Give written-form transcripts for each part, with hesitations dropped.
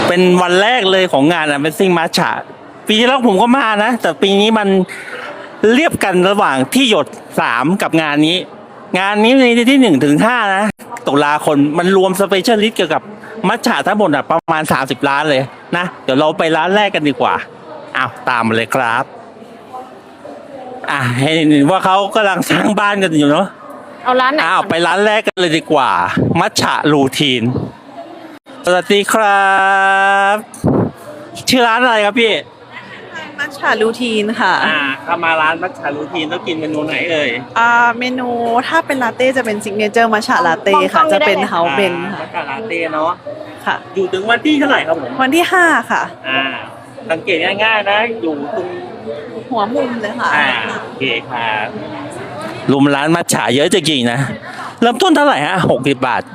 เป็นวันแรกเลยของงานAmazing Matcha ปีที่แล้วผมก็มานะแต่ปีนี้มันเรียบกันระหว่างที่หยด3กับงานนี้ในที่1 ถึง 5นะตุลาคมมันรวมสเปเชียลิสต์เกี่ยวกับมัทฉะทั้งหมดประมาณ30ร้านเลยนะเดี๋ยวเราไปร้านแรกกันดีกว่าอ้าวตามมาเลยครับเห็นว่าเขากำลังสร้างบ้านกันอยู่เนาะเอาร้านไหนไปร้านแรกกันเลยดีกว่ามัทฉะรูทีนสวัสดีครับชื่อร้านอะไรครับพี่มัทฉะรูทีนค่ะถ้ามาร้านมัทฉะรูทีนต้องกินเมนูไหนเอ่ยเมนูถ้าเป็นลาเต้จะเป็นซิกเนเจอร์มัทฉะลาเต้ค่ะจะเป็นเฮาเบนมัทฉะลาเต้เนาะค่ะอยู่ถึงวันที่เท่าไหร่ครับผมวันที่5ค่ะสังเกตง่ายๆนะอยู่ตรงหัวมุมเลยค่ะโอเคครับรวมร้านมัทฉะเยอะจริงๆนะเริ่มต้นเท่าไหร่ฮะ60 บาท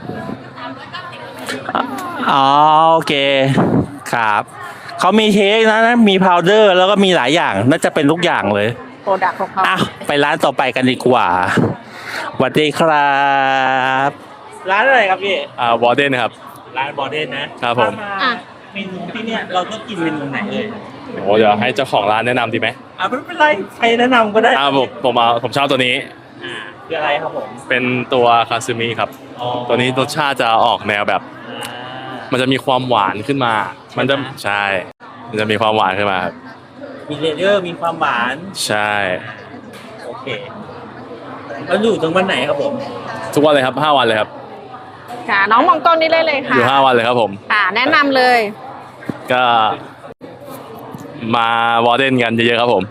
โอเคครับเขามีเค้กนะมีพาวเดอร์แล้วก็มีหลายอย่างน่าจะเป็นทุกอย่างเลยโปรดักต์ของเขาไปร้านต่อไปกันดีกว่าสวัสดีครับร้านอะไรครับพี่วอร์เดนครับร้านวอร์เดนนะครับผมเมนูที่เนี่ยเราต้องกินเมนูไหนเลยเดี๋ยวให้เจ้าของร้านแนะนำดีไหมไม่เป็นไรใครแนะนำก็ได้ผมชอบตัวนี้คืออะไรครับผมเป็นตัวคาซึมิครับตัวนี้รสชาติจะออกแนวแบบมันจะมีความหวานขึ้นมามันจะมันจะมีความหวานขึ้นมาครับมีเลเยอร์มีความหวานใช่โอเคแล้วอยู่ถึงวันไหนครับผมทุกวันเลยครับ5 วันเลยครับค่ะน้องมองกล้องนี่เลยค่ะอยู่5 วันเลยครับผมแนะนำเลยก็มาวอร์เดนกันเยอะๆครับผม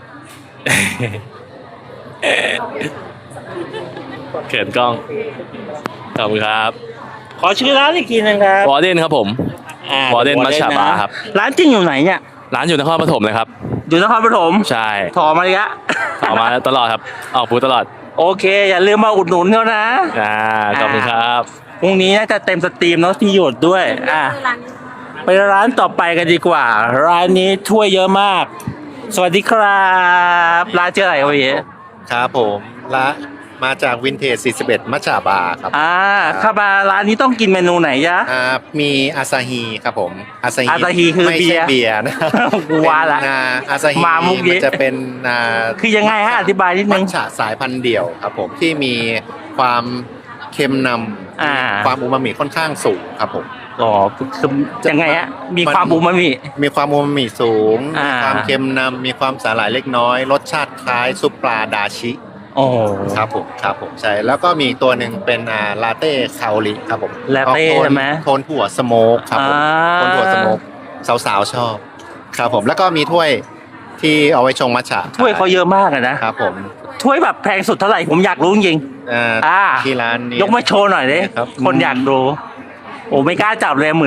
เขินกล้องขอบคุณครับขอชื่อร้านอีกทีนึงครับวอร์เดนครับผมวอร์เดนมัทฉะบาร์ครับร้านจริงอยู่ไหนเนี่ยร้านอยู่นครปฐมเลยครับอยู่นครปฐมใช่ถอมาเลยะถอมาตลอดครับออกบูธตลอดโอเคอย่าลืมมาอุดหนุนเขานะขอบคุณครับพรุ่งนี้น่าจะเต็มสตรีมเนาะที่หยดด้วยไปร้านต่อไปกันดีกว่าร้านนี้ถ้วยเยอะมากสวัสดีครับร้านชื่ออะไรครับพี่ครับผมร้านมาจากวินเทจ41มัทฉะบาร์ครับเข้ามาร้านนี้ต้องกินเมนูไหนจ๊ะมีอาซาฮีครับผมอาซาฮีคือไม่ใช่เบียร์นะกูว่าละอาซาฮีมันจะเป็นคือยังไงฮะอธิบายนิดนึงมัทฉะสายพันธุ์เดี่ยวครับผมที่มีความเค็มนำความอูมามิค่อนข้างสูงครับผมคือยังไงฮะมีความอูมามิสูงความเค็มนำมีความสาหร่ายเล็กน้อยรสชาติคล้ายซุปปลาดาชิครับผมใช่แล้วก็มีตัวหนึ่งเป็นลาเต้คาโอริครับผมลาเต้ใช่ไหมโทนถั่วสโมกครับผมโทนถั่วสโมกสาวๆชอบครับผมแล้วก็มีถ้วยที่เอาไว้ชงมัทฉะถ้วยเขาเยอะมากนะครับผมถ้วยแบบแพงสุดเท่าไหร่ผมอยากรู้จริงที่ร้านนี้ยกมาโชว์หน่อยดิคนอยากดูไม่กล้าจับเลย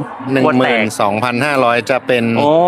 12,500จะเป็น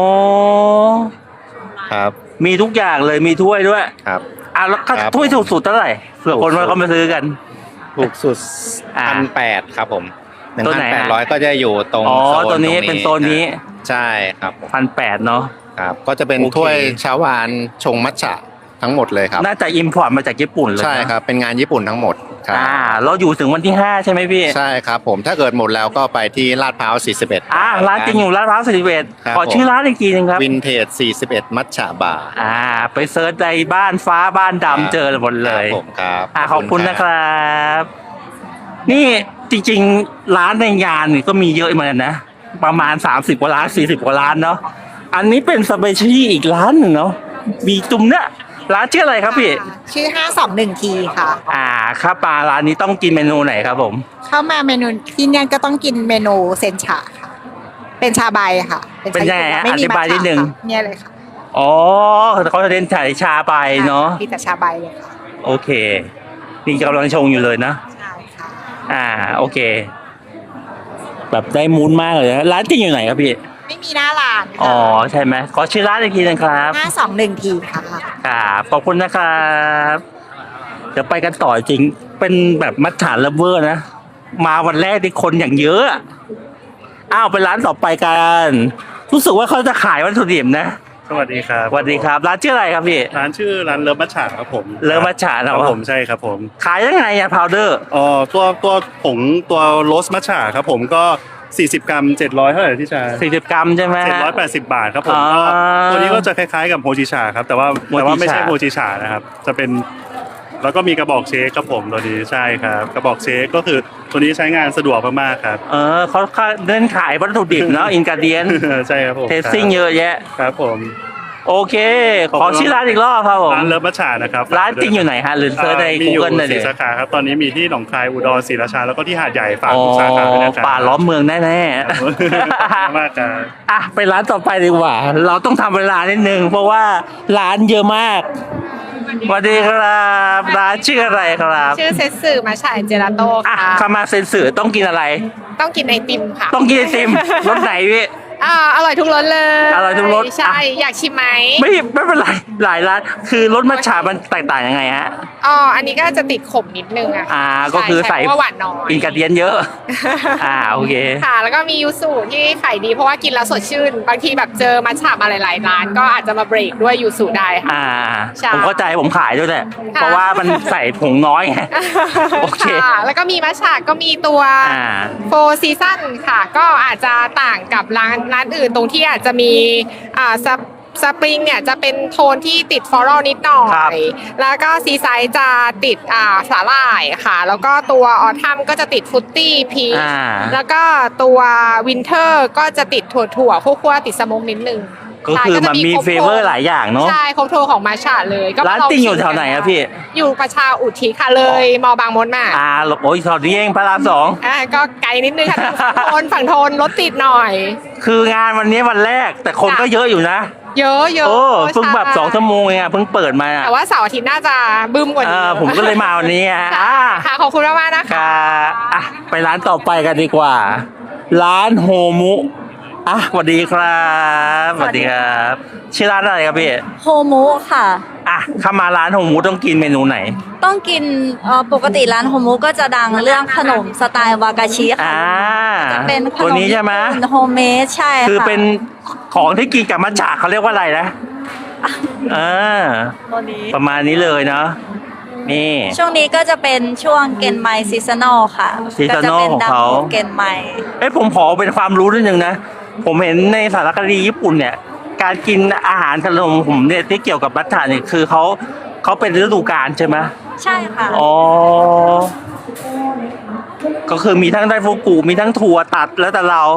ครับมีทุกอย่างเลยมีถ้วยด้วยครับแล้วถ้วยถูกสุดเท่าไหร่เผื่อคนเขามาซื้อกันถูกสุด1,800ครับผม1,800ก็จะอยู่ตรงโซนตัวนี้เป็นโซนนี้ใช่ครับ 1,800เนาะครับก็จะเป็นถ้วยชาวานชงมัทฉะทั้งหมดเลยครับน่าจะอิมพอร์ตมาจากญี่ปุ่นเลยใช่ครับเป็นงานญี่ปุ่นทั้งหมดครับเราอยู่ถึงวันที่5ใช่ไหมพี่ใช่ครับผมถ้าเกิดหมดแล้วก็ไปที่ลาดพร้าว41 ร้านจริงอยู่ลาดพร้าว41ขอชื่อร้านอีกทีนึงครับวินเทจ41มัทฉะบาร์ไปเซิร์ชในบ้านฟ้าบ้านดำเจอหมดเลยครับขอบคุณนะครับนี่จริงๆร้านในงานนี่ก็มีเยอะเหมือนกันนะประมาณ30 กว่าร้าน40 กว่าร้านเนาะอันนี้เป็นสเปเชียลอีกร้านหนึ่งเนาะมีจุ่มเนี่ยร้านชื่ออะไรครับพี่ชื่อ521ทีค่ะข้าวปลาร้านนี้ต้องกินเมนูไหนครับผมเข้ามาเมนูที่เนี่ยก็ต้องกินเมนูเซนชาค่ะเป็นชาใบค่ะเป็นยังไงอธิบายนิดนึงเนี่ยเลยค่ะเขาจะเล่นชาใบเนาะมีแต่ชาใบเลยค่ะโอเคนี่กำลังชงอยู่เลยนะใช่ค่ะโอเคแบบได้มูนมากเลยนะร้านจริงอยู่ไหนครับพี่ไม่มีหน้าร้านใช่ไหมขอชื่อร้านอีกทีนึงครับ 521ทีค่ะขอบคุณนะครับเดี๋ยวไปกันต่อจริงเป็นแบบมัทฉะลัฟเวอร์นะมาวันแรกที่คนอย่างเยอะไปร้านต่อไปกันรู้สึกว่าเขาจะขายวัตถุดิบนะสวัสดีครับสวัสดีครับร้านชื่ออะไรครับพี่ร้านชื่อร้านเลิฟมัทฉะครับผมเลิฟมัทฉะครับผมใช่ครับผมขายยังไงพาวเดอร์ตัวผงตัวโรสมัทฉะครับผมก็ 40 กรัม 700เท่าไหร่ที่ชา 40 กรัมใช่ไหมฮะ 780 บาทครับผมอ๋อก็ตัวนี้ก็จะคล้ายๆกับโฮจิชาครับแต่ว่าไม่ใช่โฮจิชานะครับจะเป็นแล้วก็มีกระบอกเชคครับผมตัวนี้ใช่ครับกระบอกเชคก็คือตัวนี้ใช้งานสะดวกมากๆครับเขาเดินขายวัตถุดิบเนาะอินกาเดียนใช่ครับผมเทสซิ่งเยอะแยะครับผมโอเค ขอชื่อร้านอีกรอบครับผมร้านเลิฟมัชชานะครับร้านจริงอยู่ไหนฮะหรือเซิร์ชในมีอยู่ Google ได้เล 4 ยสาขาครับตอนนี้มีที่หนองคายอุดรศรีราชาแล้วก็ที่หาดใหญ่ฝากอ๋อทุกสาขาด้วยนะครับป่าล้อมเมืองแน่ขอบคุณมากครับๆ อ่ะไปร้านต่อไปดีกว่า เราต้องทำเวลานิดนึงเพราะว่าร้านเยอะมากสวัสดีครับร้านชื่ออะไรครับชื่อเซตสึมาฉายเจลาโต้อ่ะค่ะคามาเซนสึต้องกินอะไรต้องกินไอติมค่ะต้องกินไอติมรสไหนพี่อร่อยทุกรสเลยอร่อยทุกรสใช่อ่ะอยากชิมไหมไม่เป็นไรหลายร้านคือรสมัทฉะมันแตกต่างยังไงฮะอันนี้ก็จะติดขมนิดนึงอะก็คือใส่เพราะว่าหวานน้อยอินกาเดียนเยอะ โอเคค่ะ แล้วก็มียูสุที่ขายดีเพราะว่ากินแล้วสดชื่น บางทีแบบเจอมัทฉะมาหลายๆร้าน ก็อาจจะมาเบรกด้วยยูสุได้ค่ะ ใช่ผมเข้าใจผมขายด้วยแหละค่ะเพราะว่ามันใส่ผงน้อยไง โอเคค่ะแล้วก็มีมัทฉะก็มีตัว โฟร์ซีซั่นค่ะ ก็อาจจะต่างกับร้านอื่นตรงที่อาจจะมีสปริงเนี่ยจะเป็นโทนที่ติดฟลอรัลนิดหน่อครับย แล้วก็ซีไซด์จะติดสาหร่ายค่ะ แล้วก็ตัวออทัมก็จะติดฟรุตตี้พีชแล้วก็ตัววินเทอร์ก็จะติดถั่วคั่วๆติดสโมกนิดนึงก็คือมันมีเฟเวอร์หลายอย่างเนาะใช่ครบโทนของมาชาเลยก็ร้านติ้งอยู่แถวไหนอะพี่อยู่ประชาอุทิศค่ะเลยมอบางมดมาโอ้ยสอดนี้เองพระรามสองก็ไกลนิดนึงค่ะฝั่งโทนรถติดหน่อยคืองานวันนี้วันแรกแต่คนก็เยอะอยู่นะเยอะเเพิ่งแบบ2 ชั่วโมงเองเพิ่งเปิดมาแต่ว่าเสาร์อาทิตย์น่าจะบึ้มกว่านี้ผมก็เลยมาวันนี้ค่ะขอบคุณมากๆนะคะไปร้านต่อไปกันดีกว่า ร้านโฮมุสวัสดีครับสวัสดีครับชื่อร้านอะไรครับพี่โฮมุค่ะเข้ามาร้านโฮมุต้องกินเมนูไหนต้องกินปกติร้านโฮมุก็จะดังเรื่องขนมสไตล์วากาชิค่ะจะเป็นขตัวนมนี้ใช่ไหมโฮมเมดใช่ค่ะคือเป็นของที่กินกับมัทฉะเขาเรียกว่าอะไรนะประมาณนี้เลยเนาะนี่ช่วงนี้ก็จะเป็นช่วงเกนไมซีซันอลค่ะ seasonal ก็จะเป็นของดัเขาเกนไมผมขอเป็นความรู้นิดนึงนะ ผมเห็นในสารคดีญี่ปุ่นเนี่ย การกินอาหารขนมผมเนี่ยที่เกี่ยวกับมัทฉะเนี่ยคือเขาเป็นฤดูกาลใช่ไหมใช่ค่ะก็คือมีทั้งไดฟูกุมีทั้งถั่วตัดแล้วแต่เรา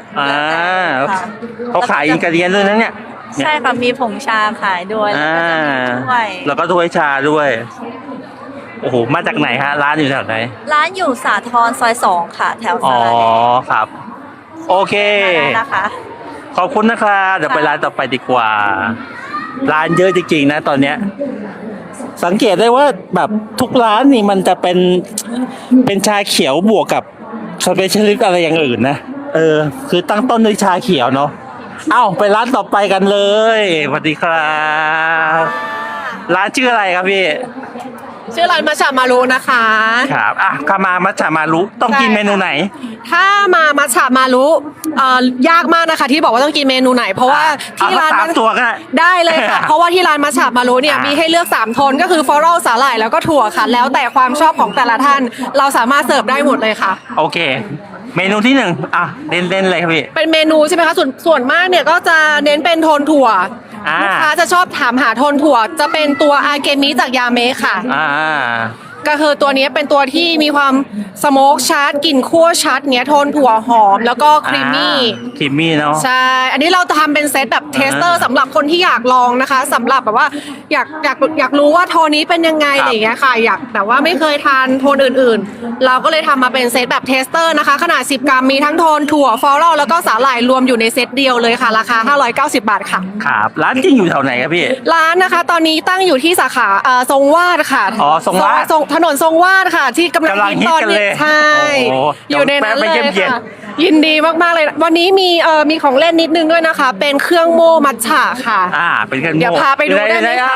เขาขายอินกาเดียนด้วยนะเนี่ยใช่ค่ะมีผงชาขายด้วยแล้วก็จะมีถ้วยแล้วก็ถ้วยชาด้วย โอ้โหมาจากไหนฮะร้านอยู่แถวไหนร้านอยู่สาทรซอย 2 ค่ะ แถวสาราแดงครับ โอเคนะคะขอบคุณนะครับเดี๋ยวไปร้านต่อไปดีกว่า ร้านเยอะจริงๆนะตอนเนี้ย สังเกตได้ว่าแบบทุกร้านนี่มันจะเป็นชาเขียวบวกกับสเปเชียลิสต์อะไรอย่างอื่นนะคือตั้งต้นด้วยชาเขียวเนาะไปร้านต่อไปกันเลยสวัสดีครับร้านชื่ออะไรครับพี่ชื่อร้านมัชฉะมารุนะคะครับข้ามามัทฉะมารุต้องกินเมนูไหนถ้ามามัชฉะมารุยากมากนะคะ ที่บอกว่าต้องกินเมนูไหน เพราะว่าที่ร้าน 3 ตัวก็ได้เลยค่ะ เพราะว่าที่ร้านมัชฉะมารุเนี่ยมีให้เลือก3โทนก็คือฟลอรัลสาหร่ายแล้วก็ถั่วค่ะ แล้วแต่ความชอบของแต่ละท่านเราสามารถเสิร์ฟได้หมดเลยค่ะโอเค เมนูที่1เล่นเลยครับพี่เป็นเมนูใช่ไหมคะส่วนมากเนี่ยก็จะเน้นเป็นโทนถั่วลูกค้าจะชอบถามหาโทนถั่วจะเป็นตัวอาเกมิจากยาเมะค่ะ ก็คือตัวนี้เป็นตัวที่มีความสโมกชัดกลิ่นคั่วชัดเนี้ยโทนถั่วหอมแล้วก็ครีมมี่เนาะใช่อันนี้เราทำเป็นเซตแบบเทสเตอร์สำหรับคนที่อยากลองนะคะสำหรับแบบว่าอยากรู้ว่าโทนนี้เป็นยังไงอะไรอย่างเงี้ยค่ะอยากแต่ว่าไม่เคยทานโทนอื่นๆเราก็เลยทำมาเป็นเซตแบบเทสเตอร์นะคะขนาด10 กรัมมีทั้งโทนถั่วฟลอรัลแล้วก็สาหร่ายรวมอยู่ในเซตเดียวเลยค่ะราคา590 บาทค่ะครับร้านจริงอยู่แถวไหนครับพี่ร้านนะคะตอนนี้ตั้งอยู่ที่สาขาทรงวาดค่ะทรงวาดถนนทรงวาดค่ะที่กำลังฮิตตอนนี้ใช่อยู่ในนั้นเลยค่ะยินดีมากๆเลยวันนี้มีของเล่นนิดนึงด้วยนะคะเป็นเครื่องโม่มัทฉะค่ะเป็นเครื่องโม่เดี๋ยวพาไปดูได้ไหมคะ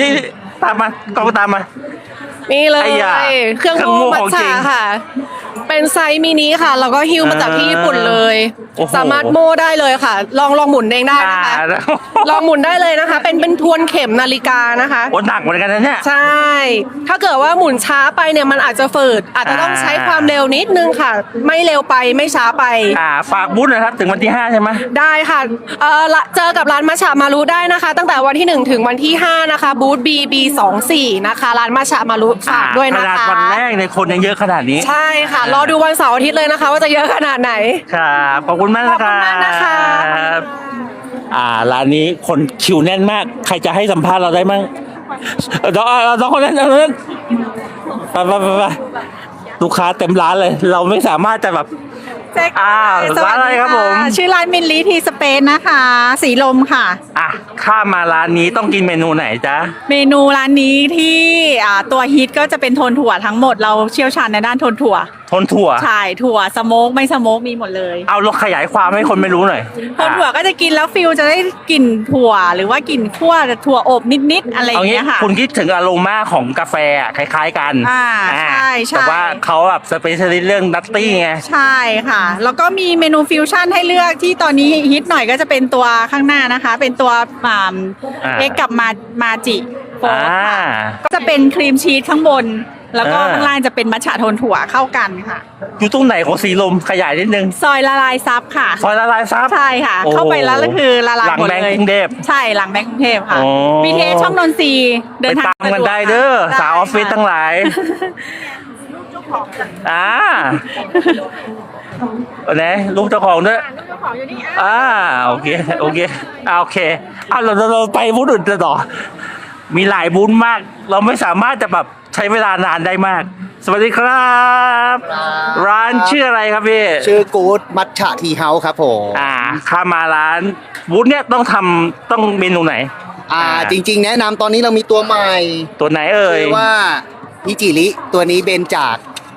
ตามมากล้องตามมานี่เลยเครื่องโม่มัทฉะค่ะเป็นเป็นไซส์มินิค่ะ แล้วก็ฮิ้วมาจากที่ญี่ปุ่นเลยโอ้โหสามารถโม่ได้เลยค่ะ ลองหมุนเองได้นะคะแล้วลองหมุนได้เลยนะคะ เป็นทวนเข็มนาฬิกานะคะโอ้หนักเหมือนกันนะเนี่ยใช่ ถ้าเกิดว่าหมุนช้าไปเนี่ยมันอาจจะฝืด อาจจะต้องใช้ความเร็วนิดนึงค่ะ ไม่เร็วไปไม่ช้าไปฝากบูธหนะครับถึงวันที่ 5 ใช่ไหมได้ค่ะเจอกับร้านมัชฉะมารุได้นะคะ ตั้งแต่วันที่ 1 ถึงวันที่ 5 นะคะ บูธ BB24 นะคะ ร้านมัชฉะมารุฝากด้วยนะขนาดคะวันแรกในยคนยังเยอะขนาดนี้ใช่ค่ะ รอดูวันเสาร์อาทิตย์เลยนะคะ ว่าจะเยอะขนาดไหนครับขอบคุณมากนะครัขอบคุณมากนะคะบร้านนี้คนคิวแน่นมาก ใครจะให้สัมภาษณ์เราได้มั่งน้องคนนั้นไปลูกค้าเต็มร้านเลย เราไม่สามารถจะแบบแจ็คร้านอะไรครับผมชื่อร้านมินลีทีสเปนนะคะ สีลมค่ะข้ามมาร้านนี้ต้องกินเมนูไหนจ๊ะเมนูร้านนี้ที่ตัวฮิตก็จะเป็นโทนถั่วทั้งหมดเราเชี่ยวชาญในด้านโทนถั่วทนถั่วใช่ถั่วสโมกไม่สโมกมีหมดเลยเอาเราขยายความให้คนไม่รู้หน่อยโทนถั่วก็จะกินแล้วฟิลจะได้กลิ่นถั่ว หรือว่ากลิ่นคั่วถั่วอบนิดๆอะไรอเอาย่างงี้เงี้ยค่ะคุณคิดถึงอโรมาของกาแฟคล้ายๆกันใช่ใช่แต่ว่าเขาแบบสเปเชียลิสต์เรื่องนัตตี้ไงใช่ค่ะ แล้วก็มีเมนูฟิวชั่นให้เลือกที่ตอนนี้ฮิตหน่อยก็จะเป็นตัวข้างหน้านะคะ เป็นตัวเอ็กกับมาจิโฟร์ค่ะก็จะเป็นครีมชีสข้างบน แล้วก็ข้างล่างจะเป็นมัทฉะโทนถั่วเข้ากันค่ะอยู่ตรงไหนของสีลมขยายนิดนึงซอยละลายซับค่ะซอยละลายซับใช่ค่ะโอ้เข้าไปแล้วก็คือละลายหมดหลังแบงเลค์ยกรุงเทพใช่หลังแบงค์กรุงเทพค่ะโอ้ BTS ช่องนนทรีย์เดิไปนทางตามกันสะวได้เด้อค่ะสาวออฟฟิศทั้งหลายไหนลูกเจ้าของด้วยโอเคโอเคเราไปบูธอื่นต่อ มีหลายบูธมาก เราไม่สามารถจะแบบใช้เวลานานได้มาก สวัสดีครับ ร้านชื่ออะไรครับพี่ชื่อกู๊ดมัทฉะทีเฮาส์ครับผมข้ามาร้านบูธเนี้ยต้องเมนูไหนจริงๆ แนะนำตอนนี้เรามีตัวใหม่ตัวไหนเอ่ยชื่อว่าฮิจิริตัวนี้เบนจาก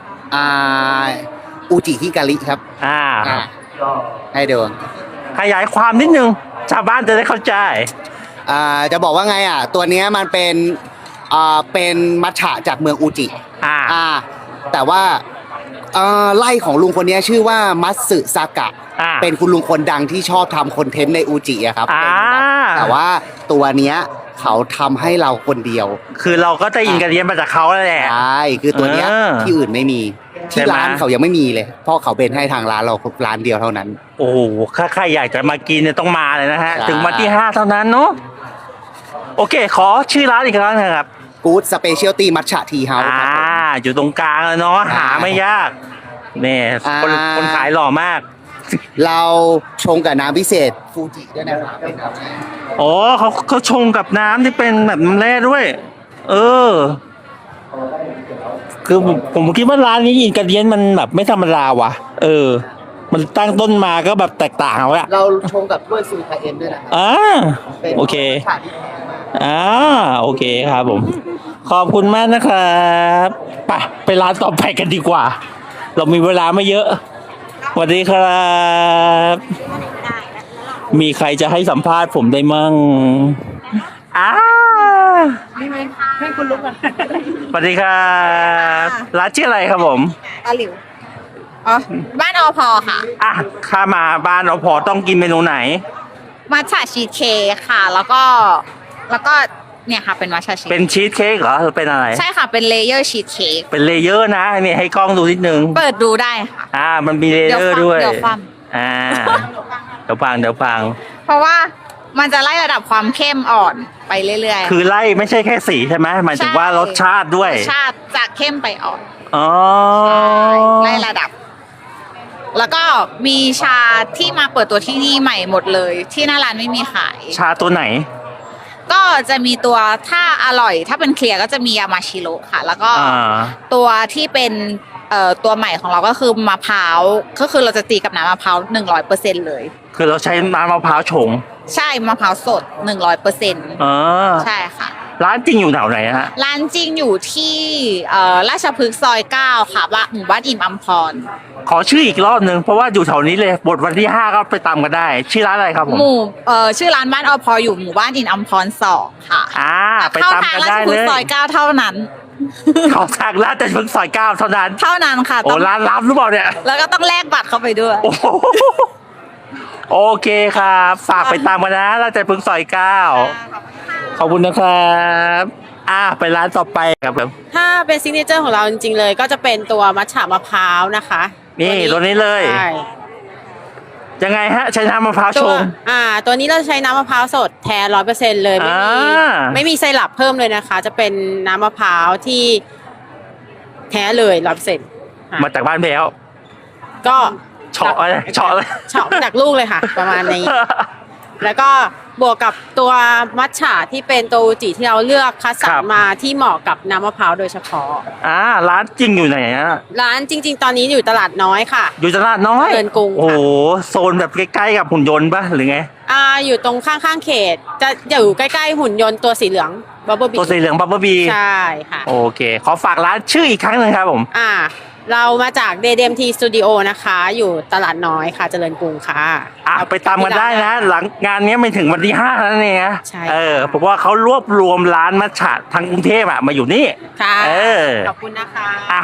อูจิฮิการิครับให้ดูขยายความนิดนึง ชาวบ้านจะได้เข้าใจจะบอกว่าไงตัวเนี้ยมันเป็นมัทฉะจากเมืองอูจิแต่ว่าไล่ของลุงคนนี้ชื่อว่ามัตสึซากะเป็นคุณลุงคนดังที่ชอบทำคอนเทนต์ในอูจิอะครับแต่ว่าตัวเนี้ยเขาทำให้เราคนเดียวคือเราก็ได้อินกระเดียนมาจากเขาแล้วแหละใช่คือตัวเนี้ยที่อื่นไม่มีที่ร้านเขายังไม่มีเลยเพราะเขาเป็นให้ทางร้านเราร้านเดียวเท่านั้นโอ้โหถ้าใครอยากจะมากินเนี่ยต้องมาเลยนะฮะใช่ถึงวันที่ 5 เท่านั้นเนาะโอเค ขอชื่อร้านอีกครั้งนะครับกู๊ดสเปเชียลตี้มัทฉะทีเฮาส์ครับผมอยู่ตรงกลางเลยเนาะหาไม่ยากเนี่ยคนขายหล่อมากเราชงกับน้ำพิเศษฟูจิด้วยนะครับเป็นน้ำอ๋อเขาชงกับน้ำที่เป็นแบบน้ำแร่ด้วย คือผมคิดว่าร้านนี้อินกระเดียนมันแบบไม่ธรรมดาว่ะ มันตั้งต้นมาก็แบบแตกต่างแล้วอะเราชงกับถ้วยซูคาเอ็นด้วยนะครับโอเคเป็นรสชาติที่แพงมากโอเคครับผม ขอบคุณมากนะครับไปร้านต่อไปกันดีกว่า เรามีเวลาไม่เยอะสวัสดีครับ มีใครจะให้สัมภาษณ์ผมได้มั่งให้คุณลุกกันสวัสดีครับร้านชื่ออะไรครับผมอาหลิวบ้านอพอค่ะข้ามาบ้านเราพอต้องกินเมนูไหนมัทฉะชีสเค้กค่ะ แล้วก็เนี่ยค่ะเป็นมัทฉะชีสเป็นชีสเค้กเหรอหรือเป็นอะไรใช่ค่ะเป็นเลเยอร์ชีสเค้กเป็นเลเยอร์นะนี่ให้กล้องดูนิดนึงเปิดดูได้ค่ะมันมีเลเยอร์ด้วยเดี๋ยวฟังเดี๋ยวฟังเพราะว่ามันจะไล่ระดับความเข้มอ่อนไปเรื่อยๆคือไล่ไม่ใช่แค่สีใช่ไหมหมายถึงว่ารสชาติด้วยรสชาติจากเข้มไปอ่อนอ๋อไล่ระดับ แล้วก็มีชาที่มาเปิดตัวที่นี่ใหม่หมดเลย ที่หน้าร้านไม่มีขายชาตัวไหนก็จะมีตัวถ้าอร่อยถ้าเป็นเคลียร์ก็จะมียามาชิโร่ค่ะ แล้วก็ตัวที่เป็นตัวใหม่ของเราก็คือมะพร้าวก็คือเราจะตีกับน้ำมะพร้าว100%เลยคือเราใช้น้ำมะพร้าวชงใช่มะพร้าวสด100%ใช่ค่ะร้านจริงอยู่แถวไหนฮะร้านจริงอยู่ที่ราชพฤกษ์ซอย 9 ค่ะหมู่บ้านอิ่มอัมพรขอชื่ออีกรอบนึงเพราะว่าอยู่แถวนี้เลยบทวันที่ 5 ก็ไปตามกันได้ ชื่อร้านอะไรครับผมชื่อร้านบ้านอพอยู่หมู่บ้านอิ่มอัมพร2 ค่ะไปเข้าตามทางกันราชได้พฤเลกษ์ยซอย 9 เท่านั้นเขาทางร้านแต่เพิ่งซอย9เท่านั้นเท่านั้นค่ะโอ้ร้านลับหรือเปล่าเนี่ยแล้วก็ต้องแลกบัตรเข้าไปด้วยโอ้โหโอเคครับฝากไปตามกันนะร้านแต่เพิ่งซอย9ขอบคุณนะครับไปร้านต่อไปครับผมถ้าเป็นซิกเนเจอร์ของเราจริงๆเลย ก็จะเป็นตัวมัทฉะมะพร้าวนะคะนี่ตัวนี้เลยใช่ยังไงฮะใช้น้ำมะพร้าวชตัวงตัวนี้เราใช้น้ำมะพร้าวสดแท้100%เลยไม่มีไซรัปเพิ่มเลยนะคะ จะเป็นน้ำมะพร้าวที่แท้เลย100% มาจากบ้านแพ้วก็เฉาะอะไรเฉาะเลยเฉาะจากลูกเลยค่ะ ประมาณนี้ แล้วก็บวกกับตัวมัทฉะที่เป็นตัวอูจิที่เราเลือกคัดสรรมาที่เหมาะกับน้ำมะพร้าวโดยเฉพาะร้านจริงอยู่ไหนฮะร้านจริง ๆ ตอนนี้อยู่ตลาดน้อยค่ะอยู่ตลาดน้อยเจริญกรุงค่ะโอ้โหโซนแบบใกล้ๆกับหุ่นยนต์ปะหรือไงอยู่ตรงข้างๆเขต จะอยู่ใกล้ๆหุ่นยนต์ตัวสีเหลืองบับเบิ้ลบีตัวสีเหลืองบับเบิ้ลบีใช่ค่ะโอเค ขอฝากร้านชื่ออีกครั้งหนึ่งครับผมเรามาจาก DDMT Studio นะคะ อยู่ตลาดน้อยค่ะ เจริญกรุงค่ะไปตามกันได้นะ หลังงานนี้ไม่ถึงวันที่5แล้วเนี่ยนะใช่เพราะว่าเขารวบรวมร้านมัทฉะทั้งกรุงเทพมาอยู่นี่ค่ะขอบคุณนะคะ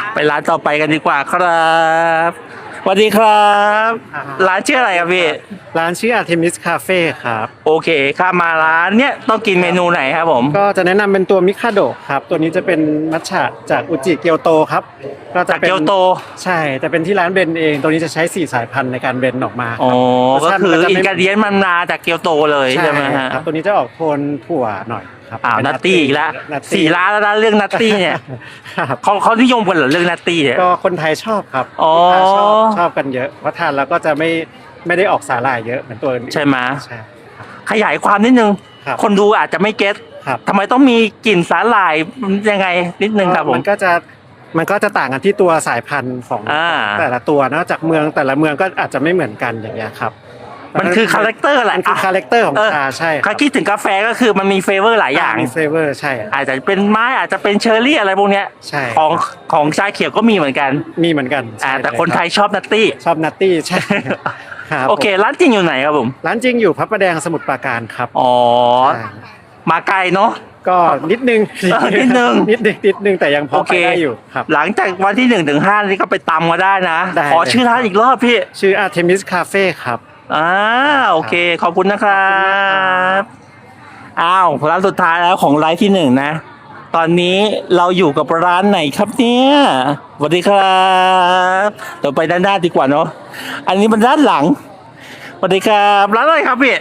ไปร้านต่อไปกันดีกว่าครับสวัสดีครับร้านชื่ออะไรครับพี่ร้านชื่อ Artemis Cafe ครับโอเคข้ามาร้านเนี้ยต้องกินเมนูไหนครับผมก็จะแนะนำเป็นตัวมิคาโดะครับ ตัวนี้จะเป็นมัทฉะจากอุจิเกียวโตครับก็จะจากเป็นเกียวโตใช่แต่เป็นที่ร้านเบนเอง ตัวนี้จะใช้4สายพันธุ์ในการเบนออกมาอ๋อรสก็ชาติคือมันจะอินไม่กรเดียนมันมาจากเกียวโตเลยใช่ไหมฮะครับตัวนี้จะออกโทนถั่วหน่อยครับเป็นนัตตี้อีกแล้วนัตตี้ 4 ร้านแล้วนะเรื่องนัตตี้เนี่ยครับเขานิยมกันเหรอเรื่องนัตตี้เนี่ยก็คนไทยชอบครับอ๋อลูกค้าชอบกันเยอะเพราะทานแล้วก็จะไม่ได้ออกสาหร่ายเยอะเหมือนตัวอื่นใช่ไหมใช่ขยายความนิดนึงครับคนดูอาจจะไม่เก็ตครับทำไมต้องมีกลิ่นสาหร่ายยังไงนิดนึงครับผมมันก็จะต่างกันที่ตัวสายพันธุ์ของ แต่ละตัวเนอะจากเมืองแต่ละเมืองก็อาจจะไม่เหมือนกันอย่างเงี้ยครับมันคือคาแรคเตอร์แหละมันคือคาแรคเตอร์ของชาใช่คเขารับคิดถึงกาแฟก็คือมันมีเฟเวอร์หลายอย่างมีเฟเวอร์ใช่อาจจะเป็นไม้อาจจะเป็นเชอร์รี่อะไรพวกเนี้ยใช่ของชาเขียวก็มีเหมือนกันมีเหมือนกันใช่แต่คนไทยชอบนัตตี้ชอบนัตตี้ใช่ครับโอเคร้านจริงอยู่ไหนครับผมร้านจริงอยู่พระประแดงสมุทรปราการครับอ๋อใช่มาไกลเนาะก็นิดนึงนิดนึงนิดนึงแต่ยังพอไปได้อยู่ครับหลังจากวันที่1 ถึง 5นี่ก็ไปตำมาได้นะได้ขอชื่อร้านอีกรอบพี่ชื่อ Artemis Cafe ครับโอเคขอบคุณนะครับร้านสุดท้ายแล้วของไลฟ์ที่1นะตอนนี้เราอยู่กับร้านไหนครับเนี่ยสวัสดีครับเดี๋ยวไปด้านหน้าดีกว่าเนาะอันนี้เป็นด้านหลังสวัสดีครับร้านอะไรครับพี่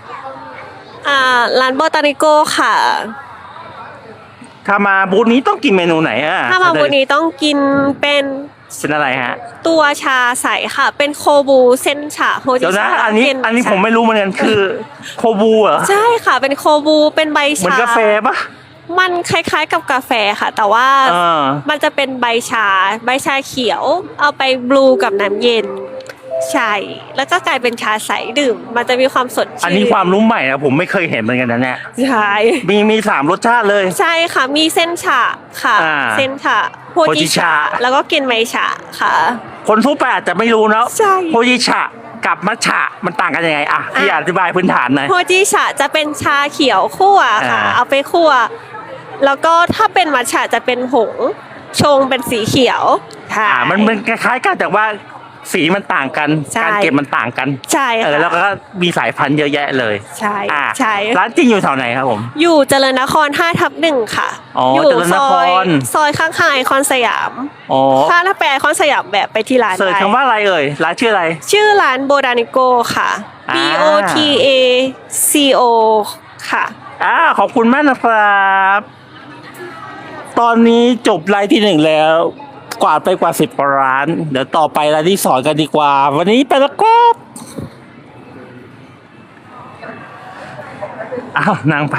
ร้านโบตานิโกค่ะถ้ามาบูธนี้ต้องกินเมนูไหนอ่ะถ้ามาวันนี้ต้องกินเป็นเป็นอะไรฮะตัวชาใสค่ะ เป็นโคบูเส้นชาโฮจิเดี๋ยวนะชาอันนี้ผมไม่รู้เหมือนกันคือโคบูเหรอใช่ค่ะ เป็นโคบูเป็นใบชาเหมือนกาแฟปะมันคล้ายๆกับกาแฟค่ะ แต่ว่ามันจะเป็นใบชาเขียว เอาไปบลูกับน้ำเย็นใช่แล้วก็กลายเป็นชาใสดื่ม มันจะมีความสดชื่นอันนี้ความรู้ใหม่นะผมไม่เคยเห็นเหมือนกันนะเนี่ยใช่มี3 รสชาติเลยใช่ค่ะมีเส้นชาค่ะ เส้นชาโฮจิชาแล้วก็กินไมชาค่ะคนทั่วไปอาจจะไม่รู้นะใช่โฮจิชะกับมัทฉะมันต่างกันยังไงพี่อธิบายพื้นฐานหน่อยโฮจิชาจะเป็นชาเขียวคั่วค่ะ เอาไปคั่วแล้วก็ถ้าเป็นมัทฉะจะเป็นผงชงเป็นสีเขียวค่ะมันคล้ายๆกันแต่ว่าสีมันต่างกันใช่การเก็บมันต่างกันใช่ค่ะแล้วก็มีสายพันธุ์เยอะแยะเลยใช่ใช่ร้านจริงอยู่แถวไหนครับผมอยู่เจริญนคร 5/1 ค่ะเจริญนครซอยข้างๆไอคอนสยาม ถ้าไปไอคอนสยามแบบไปที่ร้านเสิร์ชได้คำว่าอะไรเอ่ยร้านชื่ออะไรชื่อร้านโบรานิโกค่ะ BOTACO ค่ะขอบคุณมากนะครับตอนนี้จบไลฟ์ที่1แล้วกวาดไปกว่า10 ร้านเดี๋ยวต่อไปร้านที่2กันดีกว่า วันนี้ไปแล้วครับนางพา